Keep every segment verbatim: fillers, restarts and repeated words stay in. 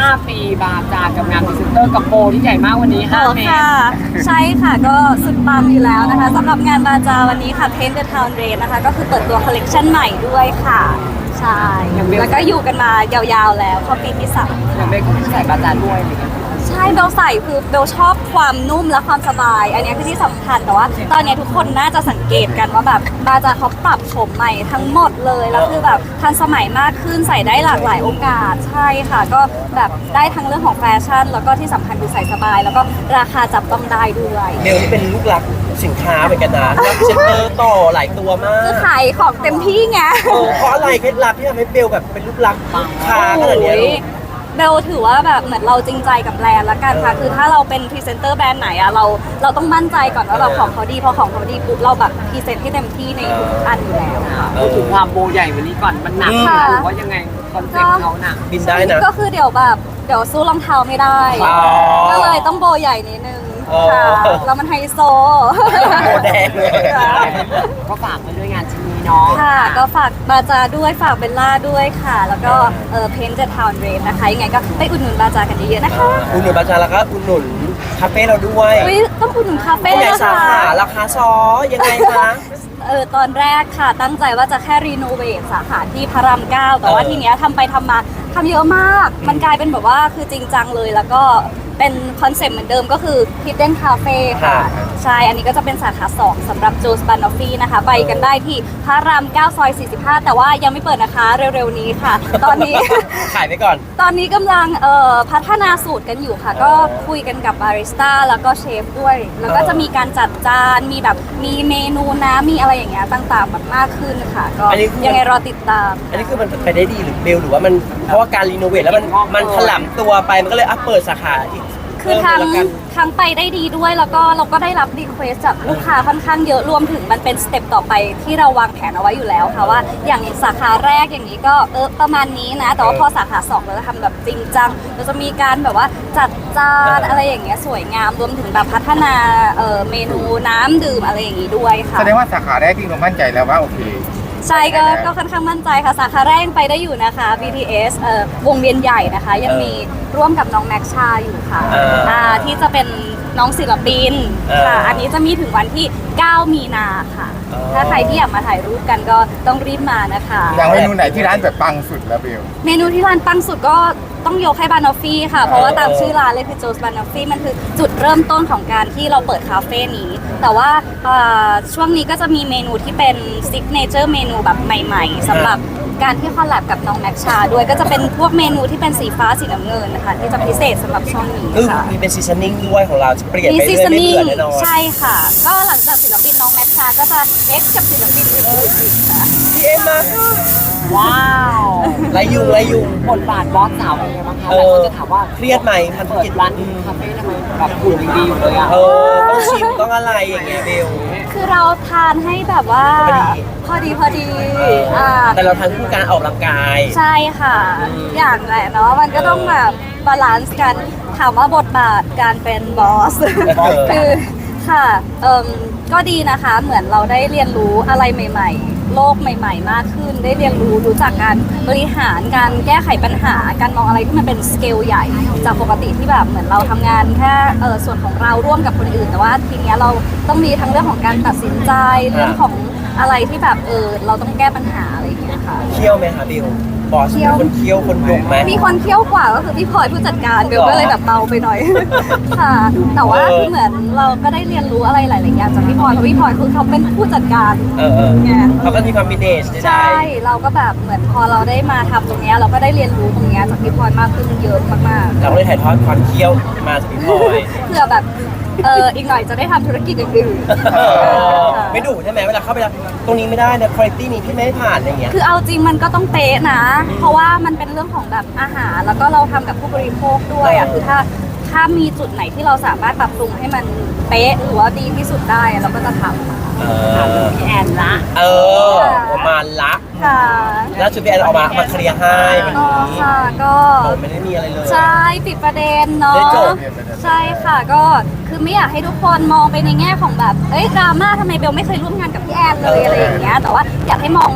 ปีบาจากับงานพรีเซนเตอร์กับโปรที่ใหญ่มากวันนี้ห้าเมตรค่ะใช่ค่ะก็สุดปังอยู่แล้วนะคะสำหรับงานบาจาวันนี้ค่ะ Paint the Town Red นะคะก็คือเปิดตัวคอลเลกชันใหม่ด้วยค่ะใช่แล้วก็อยู่กันมายาวๆแล้วเข้าปีที่สามอย่างเบลก็ใส่บาจาด้วยอะไรเงี้ยใช่เบลใส่คือเบลชอบความนุ่มและความสบาย อันนี้คือที่สำคัญแต่ว่าตอนนี้ทุกคนน่าจะสังเกตกันว่าแบบบาจาเขาปรับโฉมใหม่ทั้งหมดเลยแล้วคือแบบทันสมัยมากขึ้นใส่ได้หลากหลายโอกาสใช่ค่ะก็แบบได้ทั้งเรื่องของแฟชั่นแล้วก็ที่สำคัญคือใส่สบาย แล้วก็ราคาจับต้องได้ด้วยเบลนี่เป็นลูกหลักสินค้าเหมือนกันนะรับเซ็นเตอร์ต่อหลายตัวมากคือขายของเต็มที่ไงเออเพราะอะไรเคล็ดลับที่ทำให้เบลแบบเป็นลูกหลักค้าขนาดเนี้ยโอ้ยเบลถือว่าแบบเหมือนเราจริงใจกับแบรนด์ละกันค่ะคือถ้าเราเป็นพรีเซนเตอร์แบรนด์ไหนอะเราเราต้องมั่นใจก่อนว่าแบบของเขาดีพอของเขาดีปุ๊บเราแบบพรีเซนต์ให้เต็มที่ในทุกๆอันอยู่แล้วค่ะพูดถึงความโบใหญ่วันนี้ก่อนมันหนักค่ะหรือว่ายังไงคอนเซ็ปต์เขาหนักบินได้นะก็คือเดี๋ยวแบบเดี๋ยวสู้รองเท้าไม่ได้อ๋อก็เลยต้องโบใหญ่นิดนึงอ๋อค่ะแล้วมันไฮโซโบแดงเลยก็ฝากไปด้วยงานชิ้นนี้เนาะค่ะก็ฝากบาจาด้วยฝากเบลล่าด้วยค่ะ แล้วก็เออ Paint the Town Red นะคะยังไงก็ไปอุดหนุนบาจากันเยอะๆนะคะอุดหนุนบาจาแล้วก็อุดหนุนคาเฟ่เราด้วยอุ๊ยต้องอุดหนุนคาเฟ่ที่ไหนนะสาคะขาราคาซอยังไงคะเออตอนแรกค่ะตั้งใจว่าจะแค่รีโนเวทสาขาที่พระรามเก้าแต่ว่าเออทีเนี้ยทำไปทำมาทำเยอะมาก มันกลายเป็นแบบว่าคือจริงจังเลยแล้วก็เป็นคอนเซ็ปต์เหมือนเดิมก็คือ Hidden Cafe ค่ะ ใช่ อันนี้ก็จะเป็นสาขาสองสำหรับ Joe's Banoffee นะคะ ไปกันได้ที่พระรามเก้าซอยสี่สิบห้าแต่ว่ายังไม่เปิดนะคะเร็วๆนี้ค่ะ ตอนนี้ขายไปก่อนตอนนี้กำลังเอ่อพัฒนาสูตรกันอยู่ค่ะ ก็คุยกันกับบาริสต้าแล้วก็เชฟด้วย แล้วก็จะมีการจัดจาน มีแบบมีเมนูน้ำมีอะไรอย่างเงี้ยต่างๆแบบมากขึ้นค่ะ ก็อันนี้คือยังไงรอติดตามอันนี้คือมันไปได้ดีหรือเบลหรือว่ามันเพราะว่าการรีโนเวทแล้วมันมันถล่ำตัวไปมันก็เลยอ่ะเปิดสาขาอีกคือทั้งเพิ่มเลยละกันทั้งไปได้ดีด้วยแล้วก็เราก็ได้รับรีเควสจากลูกค้าค่อนข้างเยอะรวมถึงมันเป็นสเต็ปต่อไปที่เราวางแผนเอาไว้อยู่แล้วค่ะว่าอย่างสาขาแรกอย่างนี้ก็เออประมาณนี้นะ แต่ว่าพอสาขาสองเราจะทำแบบจริงจังเราจะมีการแบบว่าจัดจานอะไรอย่างเงี้ยสวยงามรวมถึงแบบพัฒนาเอ่อเมนูน้ำดื่มอะไรอย่างงี้ด้วยค่ะแสดงว่าสาขาแรกที่เรามั่นใจแล้วว่าโอเคใช่ก็ก็ค่อนข้างมั่นใจค่ะสาขาแรกยังไปได้อยู่นะคะ บี ที เอส เอ่อวงเวียนใหญ่นะคะ ยังมีร่วมกับน้องแม็กชาอยู่ค่ะเอออ่าที่จะเป็นน้องศิลปินเออค่ะ อันนี้จะมีถึงวันที่ เก้า มีนาค่ะอ๋อถ้าใครที่อยากมาถ่ายรูปกันก็ต้องรีบมานะคะอย่างเมนูไหนที่ร้านแบบปังสุดแล้วเบลเมนูที่ร้านปังสุดก็ต้องยกให้บานอฟฟี่ค่ะ เพราะว่าตามชื่อร้านเลยคือโจสบานอฟฟี่มันคือจุดเริ่มต้นของการที่เราเปิดคาเฟ่นี้ แต่ว่าเอ่อช่วงนี้ก็จะมีเมนูที่เป็นซิกเนเจอร์เมนูแบบใหม่ๆสำหรับการที่คอลแลบกับน้องแม็กชาด้วยก็จะเป็นพวกเมนูที่เป็นสีฟ้าสีน้ำเงินนะคะที่จะพิเศษสำหรับช่วงนี้คือค่ะมีเป็นซีซันนิ่งด้วยของเราจะเปลี่ยนมีไปซีเรื่อยซันๆไม่นิ่งเบื่อแน่นอนใช่ค่ะ ก็หลังจากศิลปินน้องแม็กชาก็จะเอ็กซ์กับศิลปินอื่นๆอีกค่ะพี่เอ็มมาว้าวไรยุงไรยุงบทบาทบอสสาวเป็นไงบ้างคะเอหลายอคนจะถามว่าเครียดไหมทำธุรเปิดกิจร้านคาเฟ่ทำไมแบบหุ่นยังดีอยู่เลยอ่ะเออต้องชิมต้องอะไรอย่างเงี้ยเบลคือเราทานให้แบบว่า พอดีพอดีเอออ่อ่าแต่เราทำเพื่อการออกกำลังกายใช่ค่ะ อย่างแหละเนาะมันก็ต้องแบบบาลานซ์กันถามว่าบทบาทการเป็นบอสเออคือค่ะเอ่มก็ดีนะคะเหมือนเราได้เรียนรู้อะไรใหม่ ๆ โลกใหม่ ๆ มากขึ้น ได้เรียนรู้รู้จักการบริหารการแก้ไขปัญหา การมองอะไรที่มันเป็นสเกลใหญ่ จากปกติที่แบบเหมือนเราทำงานแค่เออส่วนของเราร่วมกับคนอื่น แต่ว่าทีเนี้ยเราต้องมีทั้งเรื่องของการตัดสินใจเรื่องของอะไรที่แบบเออเราต้องแก้ปัญหาอะไรอย่างเงี้ยค่ะเคี่ยวไหมคะเบลบอสเป็นคนเคี่ยวคนยงไหมมีคนเคี่ยวกว่าก็คือพี่พลอยผู้จัดการเบลก็เลยแบบเบาไปหน่อย ค่ะ แต่ว่าเออคือเหมือนเราก็ได้เรียนรู้อะไรหลาย ๆ อย่างจากพี่พลอยเพราะพี่พลอยคือเขาเป็นผู้จัดการเออเออไงเขาก็มีความมิเนจได้ใช่ เราก็แบบเหมือนพอเราได้มาทำตรงเนี้ยเราก็ได้เรียนรู้ตรงเนี้ยจากพี่พลอยมากขึ้นเยอะมากเราก็เลยถ่ายทอดความเคี่ยวมาจากพี่พลอยๆ เพื่อแบบเอออีกหน่อยจะได้ทำธุรกิจอื่นๆเออค่ะไม่ดุใช่ไหมเวลาเข้าไปแล้วตรงนี้ไม่ได้นะคุณภาพนี้พี่ไม่ให้ผ่านอะไรอย่างเงี้ยคือเอาจริงมันก็ต้องเป๊ะนะ เพราะว่ามันเป็นเรื่องของแบบอาหาร แล้วก็เราทำกับผู้บริโภคด้วยอ่ะ คือถ้าถ้ามีจุดไหนที่เราสามารถปรับปรุงให้มันเป๊ะหรือว่าดีที่สุดได้เราก็จะทำเอถามอพี่แอนละเออประมาณละค่ะแล้วชุดพี่แอนออกมามาเคลียร์ให้วันก็นี้ค่ะก็ผมไม่ได้มีอะไรเลยใช่ปิดประเด็นเนาะได้จบใช่ค่ะก็คือไม่อยากให้ทุกคนมองไปในแง่ของแบบเอ้ยดราม่าทำไมเบลไม่เคยร่วมงานกับพี่แอนเลยอะไรอย่างเงี้ยแต่ว่าอยากให้มองว่า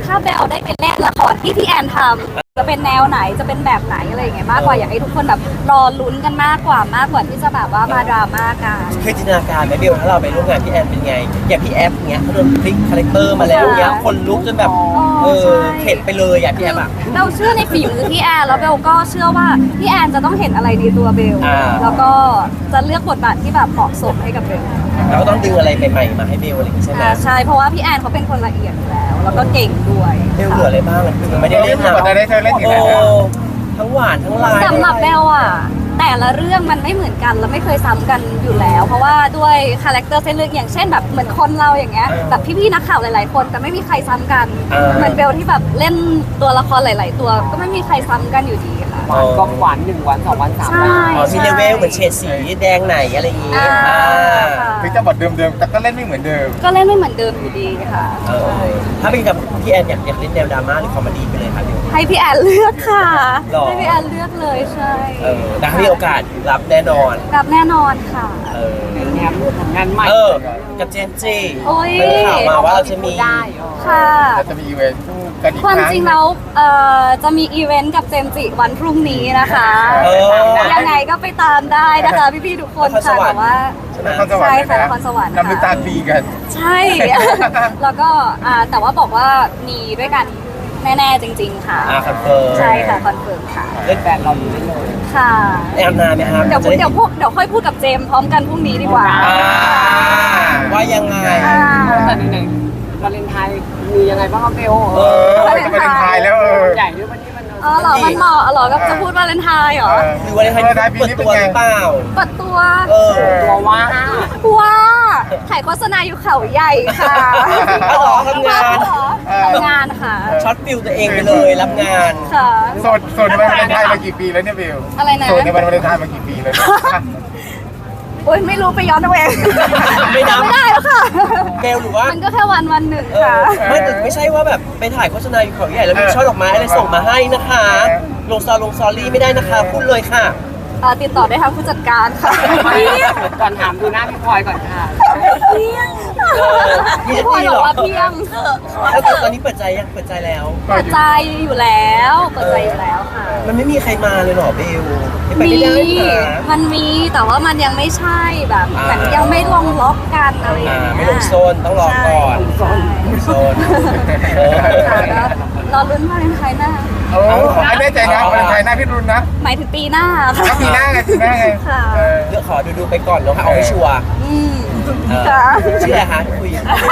ถ้าเบลได้ไปเล่นละครที่พี่แอนทำจะเป็นแนวไหนจะเป็นแบบไหนอะไรอย่างเงี้ยมากกว่าอยากให้ทุกคนแบบรอลุ้นกันมากกว่ามากกว่าที่จะแบบว่ามาดราม่ากันเคยจินตนาการไหมเบลถ้าเราไปร่วมงานพี่แอนเป็นไง อย่างพี่แอฟเงี้ยเขาโดนพลิกคาแรคเตอร์มาแล้วเงี้ยคนลุกจนแบบเออเข็ดไปเลยอ่ะพี่แอฟอ่ะเบลเชื่อในฝีมือพี่แอนแล้วเบลก็เชื่อว่าพี่แอนจะต้องเห็นอะไรในตัวเบลอ่าแล้วก็จะเลือกบทบาทที่แบบเหมาะสมให้กับเบลเราก็ต้องดึงอะไรใหม่ๆมาให้เบลอะไรอย่างงี้ใช่ไหมอ่าใช่เพราะว่าพี่แอนเขาเป็นคนละเอียดอยู่แล้ว แล้วก็เก่งด้วยเบลเหลืออะไรบ้างอ่ะคือไม่ได้เล่นนะได้ได้เธอเล่นอยู่โอ้แล้วทั้งหวานทั้งลายสำหรับเบลอะแต่ละเรื่องมันไม่เหมือนกันและไม่เคยซ้ำกันอยู่แล้ว เพราะว่าด้วยคาแรคเตอร์เส้นเรื่องอย่างเช่นแบบเหมือนคนเราอย่างเงี้ยแบบพี่ๆนักข่าวหลาย ๆ คนแต่ไม่มีใครซ้ำกัน เหมือนเบลที่แบบเล่นตัวละครหลาย ๆ ตัว ก็ไม่มีใครซ้ำกันอยู่ดีค่ะหวานก็หวานหนึ่งวันสองวันสามวันใช่อ๋อมีเลเวลเหมือนเฉดสีแดงไหนอะไรอย่างงี้อ่าอ่าค่ะถึงจะบทเดิมๆแต่ก็เล่นไม่เหมือนเดิมก็เล่นไม่เหมือนเดิมอยู่ดีค่ะเออถ้าเป็นกับพี่แอนอยากอยากเล่นแนวดราม่าหรือคอมเมดี้ไปเลยค่ะเบลให้พี่แอนเลือกค่ะหรอให้พี่แอนเลือกเลยใช่เออแต่ถ้ามีโอกาสรับแน่นอนรับแน่นอนค่ะเออเป็นงานผลงานใหม่เออ กับเจนจีโอ้ยเป็นข่าวมาว่าเราจะมีได้เออค่ะเราจะมีอีเวนต์คู่กันอีกความครั้งจริงแล้วเอ่อจะมีอีเวนต์กับเจมส์จิวันพรุ่งนี้นะคะเออยังไงก็ไปตามได้นะคะ พี่ๆทุกคนนครสค่ะวรรแต่ค์ว่าใช่ไหมนครสวรรค์ใช่ค่ะเลยนครสวรรค์นำมือตาตีกันใช่ แล้วก็อ่าแต่ว่าบอกว่ามีด้วยกันแน่ๆจริง ๆ ค่ะอ่าคอนเฟิร์มใช่ค่ะคอนเฟิร์มค่ะเล่นแฟนเราอยู่ได้เลยค่ะแอนนาไหมครับเดี๋ยวจะไเดี๋ยวพวกเดี๋ยวค่อยพูดกับเจมส์พร้อมกันพรุ่งนี้ดีกว่าอ่าว่ายังไงอ่าแต่ไหนๆวาเลนไทน์มียังไงบ้างครับเบลเออเออจะไปเล่นไทยแล้วเออใหญ่ด้วยวันนี้มันอ๋อเหรอมันเหมาะเหรอก็จะพูดวาเลนไทน์เหรอหรือว่าในไทยเปิดตัวหรือเปล่าเปิดตัวเออตัวว่าว้าถ่ายโฆษณาอยู่เขาใหญ่ค่ะเอาเหรอทำงานเหรอทำงานค่ะช็อตฟิลตัวเองไปเลยรับงานค่ะโสดโสดในวันวาเลนไทน์มากี่ปีแล้วเนี่ยเบลอะไรนะโสดในวันวาเลนไทน์มากี่ปีแล้วเนี่ยโอ๊ยไม่รู้ไปย้อนเอาเองไม่นับไม่ได้แล้วค่ะเบลหรือว่ามันก็แค่วันวันหนึ่งเอค่ะอไม่แต่ไม่ใช่ว่าแบบไปถ่ายโฆษณาอยู่เขาใหญ่แล้วมีช่อดอกไม้อะไรส่งมาให้นะคะ ลงซอลงซอรี่ไม่ได้นะคะพูดเลยค่ะเอ่อติดต่อได้ทางผู้จัดการค่ะก่อนถามดูหน้าพี่พลอยก่อนค่ะเพียงเออมีพี่จะพลอยดีบเหอรกอว่าเพียงแล้วตอนนี้เปิดใจยังเปิดใจแล้วเปิดใจอยู่แล้วเปิดใจอยู่แล้วค่ะมันไม่มีใครมาเลยเหรอเบลไม่ไปมีไม่ได้นะมันมีแต่ว่ามันยังไม่ใช่แบบอ่าเหมือนยังไม่ลงล็อกกันอะไรอย่างอ่าเงี้ยไม่ลงโซนต้องรอก่อนใช่ลงโซนเออค่ะก็รอลุ้นวาเลนไทน์หน้าโอ้ไม่แน่ใจนะวาเลนไทน์หน้าพี่รุนนะหมายถึงปีหน้าค่ะถ้าปีหน้าไงปีหน้าไงค่ะเออเลือกขอดูดูๆไปก่อนเนาะเอาให้ชัวร์อืมเออค่ะชื่ออะไรคะที่คุย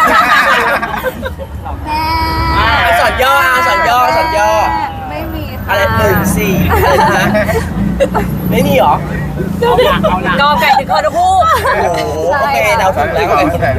แม่อ่ะสอนย่ออ่ะสอนย่อสอนย่อไม่มีค่ะอะไรหนึ่งสี่อะไรนะไม่มีเหรอเอาหลักเอาหลักก็ไก่ถึงคอทุกคู่โอ้โหโอเคเดาถูกแล้วใช่